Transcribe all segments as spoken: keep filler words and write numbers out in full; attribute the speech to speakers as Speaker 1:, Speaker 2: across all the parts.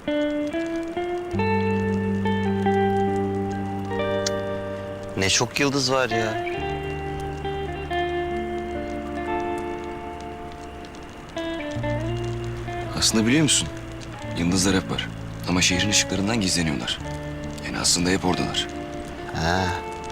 Speaker 1: Ne çok yıldız var ya.
Speaker 2: Aslında biliyor musun? Yıldızlar hep var. Ama şehrin ışıklarından gizleniyorlar. Yani aslında hep oradalar.
Speaker 1: Ha.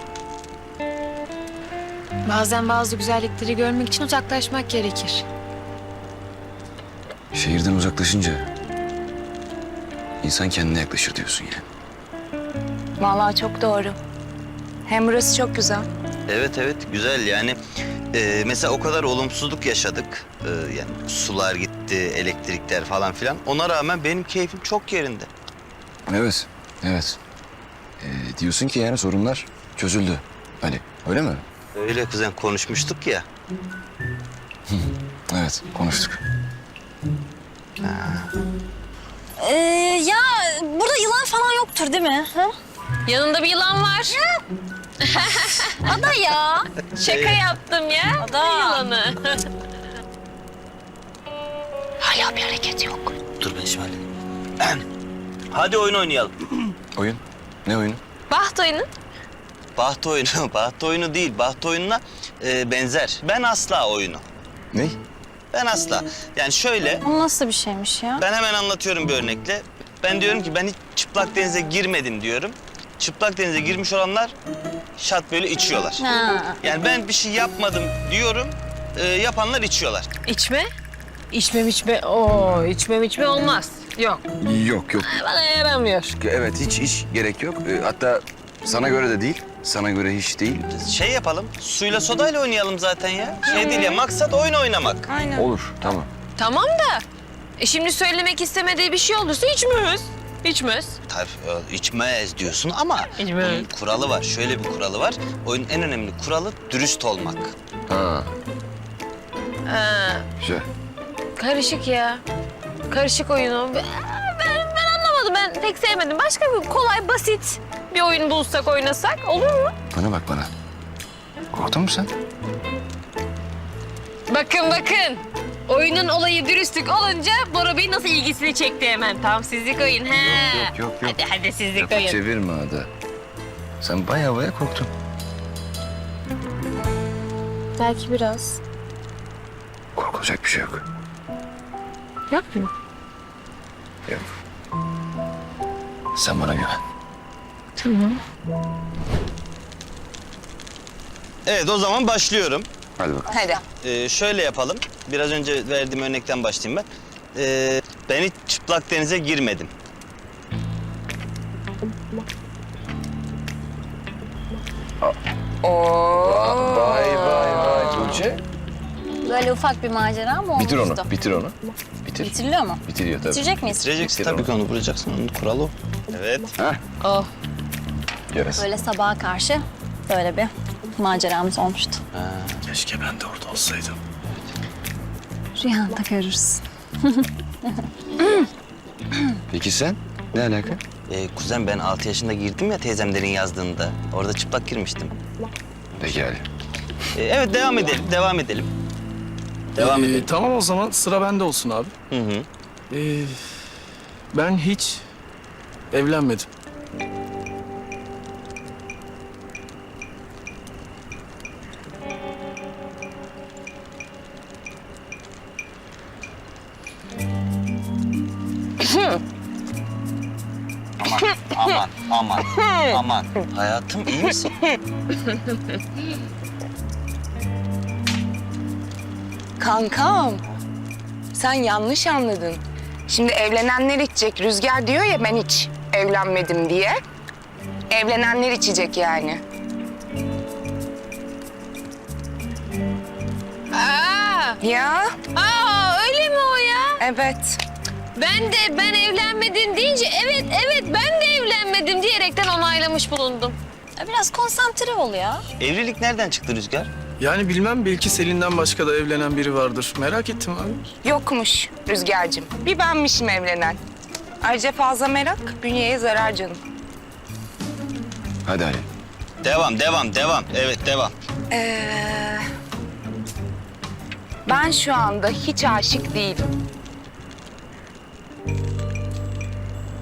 Speaker 3: Bazen bazı güzellikleri görmek için uzaklaşmak gerekir.
Speaker 2: Şehirden uzaklaşınca insan kendine yaklaşır diyorsun yani.
Speaker 4: Vallahi çok doğru. Hem burası çok güzel.
Speaker 1: Evet evet güzel yani. Ee, mesela o kadar olumsuzluk yaşadık. Ee, yani sular gitti, elektrikler falan filan. Ona rağmen benim keyfim çok yerinde.
Speaker 2: Evet, evet. Ee, diyorsun ki yani sorunlar çözüldü Ali, öyle mi?
Speaker 1: Öyle kuzen konuşmuştuk ya.
Speaker 2: Evet, konuştuk.
Speaker 4: Ee, ya burada yılan falan yoktur değil mi? Ha?
Speaker 3: Yanında bir yılan var.
Speaker 4: Ada ya.
Speaker 3: Şaka yaptım ya.
Speaker 4: Ada.
Speaker 3: Yılanı.
Speaker 4: Hala bir hareket yok.
Speaker 1: Dur ben şimdi halledeyim. Hadi oyun oynayalım.
Speaker 2: Oyun? Ne oyunu?
Speaker 3: Baht oyunu.
Speaker 1: Baht oyunu, baht oyunu değil. Baht oyununa e, benzer. Ben asla oyunu.
Speaker 2: Ne?
Speaker 1: Ben asla. Yani şöyle,
Speaker 4: O nasıl bir şeymiş ya?
Speaker 1: ben hemen anlatıyorum bir örnekle. Ben diyorum ki ben hiç çıplak denize girmedim diyorum. Çıplak denize girmiş olanlar şat böyle içiyorlar.
Speaker 4: Ha.
Speaker 1: Yani ben bir şey yapmadım diyorum, e, yapanlar içiyorlar.
Speaker 3: İçme. İçmem içme. Oo, içmem içme olmaz. Yok.
Speaker 2: Yok, yok.
Speaker 3: Bana yaramıyor.
Speaker 2: Evet, hiç hiç gerek yok. Ee, hatta sana göre de değil, sana göre hiç değil.
Speaker 1: Şey yapalım, suyla sodayla oynayalım zaten ya. Şey değil ya, maksat oyun oynamak.
Speaker 4: Aynen.
Speaker 2: Olur, tamam.
Speaker 3: Tamam da. E şimdi söylemek istemediği bir şey olursa içmiyoruz. İçmez.
Speaker 1: Tabii e, içmez diyorsun ama
Speaker 3: İçmez.
Speaker 1: bunun kuralı var. Şöyle bir kuralı var. Oyunun en önemli kuralı dürüst olmak.
Speaker 2: Ha,
Speaker 3: Ha,
Speaker 2: güzel.
Speaker 3: karışık ya. Karışık oyunu. Ben, ben anlamadım. Ben pek sevmedim. Başka bir kolay, basit bir oyun bulsak, oynasak olur mu?
Speaker 2: Bana bak bana. Korktun mu sen?
Speaker 3: Bakın bakın. Oyunun olayı dürüstlük olunca Bora Bey nasıl ilgisini çekti hemen. Tam sizlik oyun. He.
Speaker 2: Yok, yok, yok.
Speaker 3: Hadi hadi sizlik
Speaker 2: Lafı
Speaker 3: oyun.
Speaker 2: çevirme Ada. Sen baya baya korktun.
Speaker 4: Belki biraz.
Speaker 2: Korkulacak bir şey yok.
Speaker 3: Yapma.
Speaker 2: Yok. Sen bana güven.
Speaker 3: Tamam.
Speaker 1: Evet, o zaman başlıyorum.
Speaker 2: Hadi bakalım.
Speaker 4: Hadi.
Speaker 1: Ee, şöyle yapalım. Biraz önce verdiğim örnekten başlayayım ben. Ee, ben hiç çıplak denize girmedim.
Speaker 4: Oo.
Speaker 2: Vay vay vay Tuğçe.
Speaker 4: Böyle ufak bir macera mı olmuştu?
Speaker 2: Bitir onu, bitir onu. Bitir.
Speaker 4: Bitiriliyor mu?
Speaker 2: Bitiriyor tabii.
Speaker 4: Bitirecek miyiz?
Speaker 1: Bitireceksin
Speaker 2: Bitir
Speaker 1: tabii
Speaker 2: onu.
Speaker 1: ki onu vuracaksın. Onun kuralı o. Evet.
Speaker 2: Ha?
Speaker 3: Oh.
Speaker 2: Yarası.
Speaker 4: Böyle sabaha karşı böyle bir maceramız olmuştu.
Speaker 2: Keşke ben de orada olsaydım.
Speaker 4: Rüyanda görürsün.
Speaker 2: Peki sen? Ne alaka?
Speaker 1: Ee, kuzen ben altı yaşında girdim ya teyzemlerin yazdığında. Orada çıplak girmiştim.
Speaker 2: Peki Ali.
Speaker 1: Ee, evet devam edelim, devam edelim. Devam
Speaker 5: Ee,
Speaker 1: edelim.
Speaker 5: Tamam o zaman sıra bende olsun abi.
Speaker 1: Hı hı.
Speaker 5: Ee, ben hiç evlenmedim.
Speaker 1: Aman, aman, aman, aman. Hayatım iyi misin?
Speaker 6: Kankam, sen yanlış anladın. Şimdi evlenenler içecek. Rüzgar diyor ya ben hiç evlenmedim diye. Evlenenler içecek yani.
Speaker 3: Aa,
Speaker 6: Ya,
Speaker 3: aa öyle mi o ya?
Speaker 6: evet.
Speaker 3: Ben de ben evlenmedim deyince evet evet ben de evlenmedim diyerekten onaylamış bulundum.
Speaker 4: Ya biraz konsantre ol ya.
Speaker 1: Evlilik nereden çıktı Rüzgar?
Speaker 5: Yani bilmem belki Selin'den başka da evlenen biri vardır. Merak ettim abi.
Speaker 6: Yokmuş Rüzgar'cığım. Bir benmişim evlenen. Ayrıca fazla merak bünyeye zarar canım.
Speaker 2: Hadi Ali.
Speaker 1: Devam, devam, devam. Evet, devam.
Speaker 6: Ee, ben şu anda hiç aşık değilim.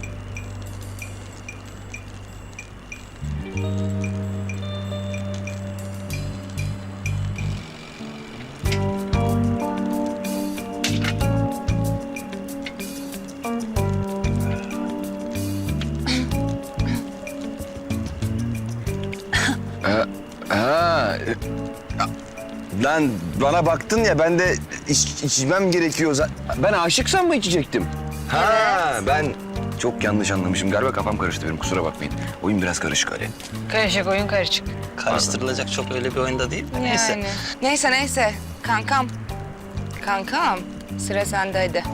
Speaker 2: Lan bana baktın ya ben de iç, içmem gerekiyor. zaten. Ben aşıksam mı içecektim? Ha ben çok yanlış anlamışım. Galiba kafam karıştı benim, kusura bakmayın. Oyun biraz karışık Ali.
Speaker 3: Karışık oyun karışık.
Speaker 1: Karıştırılacak çok öyle bir oyunda değil. Neyse.
Speaker 6: Yani. Neyse neyse. Kankam. Kankam. Sıra sende hadi.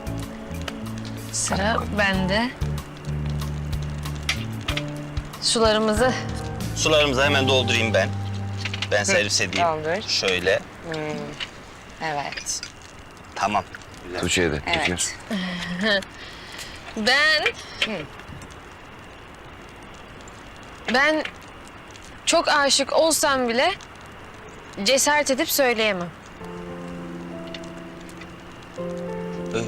Speaker 3: Sıra bende. Sularımızı
Speaker 1: Sularımızı hemen doldurayım ben. Ben servis edeyim.
Speaker 6: doldur.
Speaker 1: Şöyle.
Speaker 6: Evet.
Speaker 1: Tamam. Güzel.
Speaker 2: Tuğçe'ye de.
Speaker 6: Evet.
Speaker 2: Tuğçe.
Speaker 3: ben... Ben çok aşık olsam bile cesaret edip söyleyemem.
Speaker 1: Ö-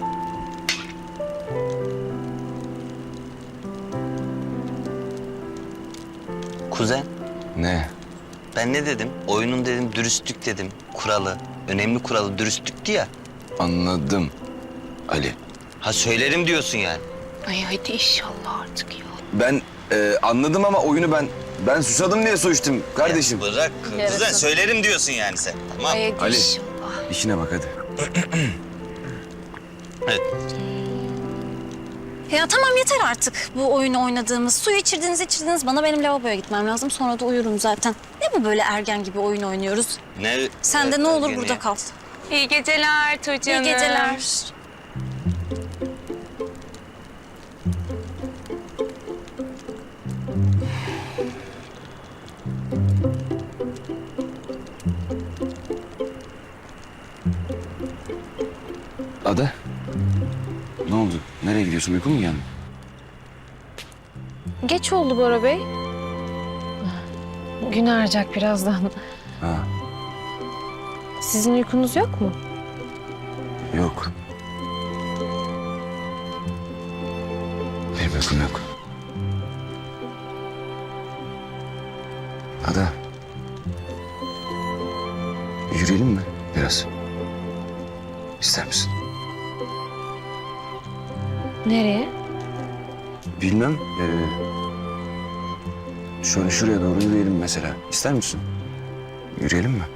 Speaker 1: Kuzen,
Speaker 2: Ne?
Speaker 1: ben ne dedim? Oyunun dedim dürüstlük dedim. Kuralı. Önemli kuralı dürüstlüktü ya.
Speaker 2: Anladım Ali.
Speaker 1: Ha söylerim diyorsun yani.
Speaker 6: Ay hadi inşallah artık ya.
Speaker 2: Ben e, anladım ama oyunu ben ben susadım diye su içtim kardeşim.
Speaker 1: Ya bırak.
Speaker 3: Yarasın.
Speaker 1: Kuzen söylerim diyorsun yani sen. Tamam.
Speaker 6: Ay hadi
Speaker 2: Ali.
Speaker 6: inşallah.
Speaker 2: İşine bak hadi.
Speaker 1: Evet.
Speaker 4: Ya tamam yeter artık bu oyunu oynadığımız. Suyu içirdiniz içirdiniz. Bana benim lavaboya gitmem lazım. Sonra da uyurum zaten. Ne bu böyle ergen gibi oyun oynuyoruz?
Speaker 1: Ne?
Speaker 4: Sen de
Speaker 1: Evet,
Speaker 4: ne olur
Speaker 1: ergeni.
Speaker 4: burada kal.
Speaker 6: İyi geceler Tuğçe
Speaker 4: İyi
Speaker 6: Hanım.
Speaker 4: geceler.
Speaker 2: Ada. Ne oldu? Nereye gidiyorsun? Uykun mu geldi?
Speaker 3: Geç oldu Bora Bey. Gün ağaracak birazdan.
Speaker 2: Ha,
Speaker 3: Sizin uykunuz yok mu?
Speaker 2: yok. Benim uykum yok. Ada. Yürüyelim mi biraz? İster misin?
Speaker 3: Nereye?
Speaker 2: Bilmem. Ee, şöyle şuraya doğru yürüyelim mesela. İster misin? Yürüyelim mi?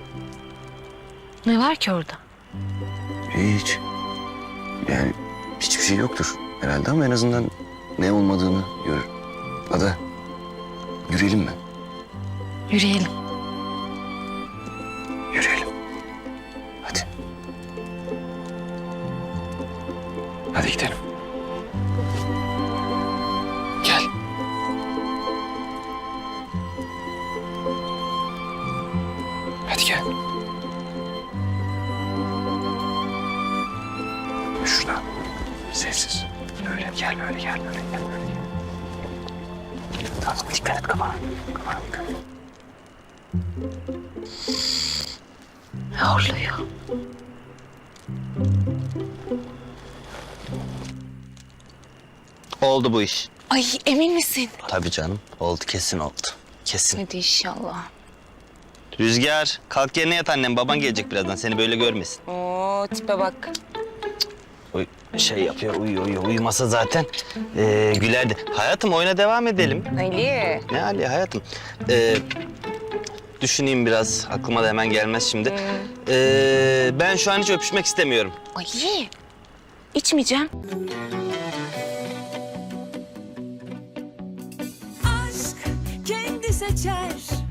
Speaker 3: Ne var ki orada?
Speaker 2: Hiç. Yani hiçbir şey yoktur herhalde ama en azından ne olmadığını görür. Ada, yürüyelim mi?
Speaker 3: Yürüyelim.
Speaker 2: Yürüyelim. Hadi. Hadi gidelim. Gel. Hadi gel. Şurada. Sessiz. Böyle gel, böyle gel, böyle gel, böyle gel. Tamam, dikkat et kafana. Kafana dikkat et.
Speaker 3: Horluyor.
Speaker 1: Oldu bu iş.
Speaker 6: Ay emin misin?
Speaker 1: Tabii canım. Oldu, kesin oldu. Kesin.
Speaker 6: Hadi inşallah.
Speaker 1: Rüzgar, kalk yerine yat annem. Baban gelecek birazdan. Seni böyle görmesin.
Speaker 6: Oo tipe bak.
Speaker 1: Uy, şey yapıyor, uyuyor, uyuyor. Uyumasa zaten ee, gülerdi. Hayatım oyuna devam edelim.
Speaker 6: Ali.
Speaker 1: Ne Ali hayatım? Ee, düşüneyim biraz. Aklıma da hemen gelmez şimdi. Ee, ben şu an hiç öpüşmek istemiyorum.
Speaker 6: Ay içmeyeceğim.
Speaker 7: aşk kendi seçer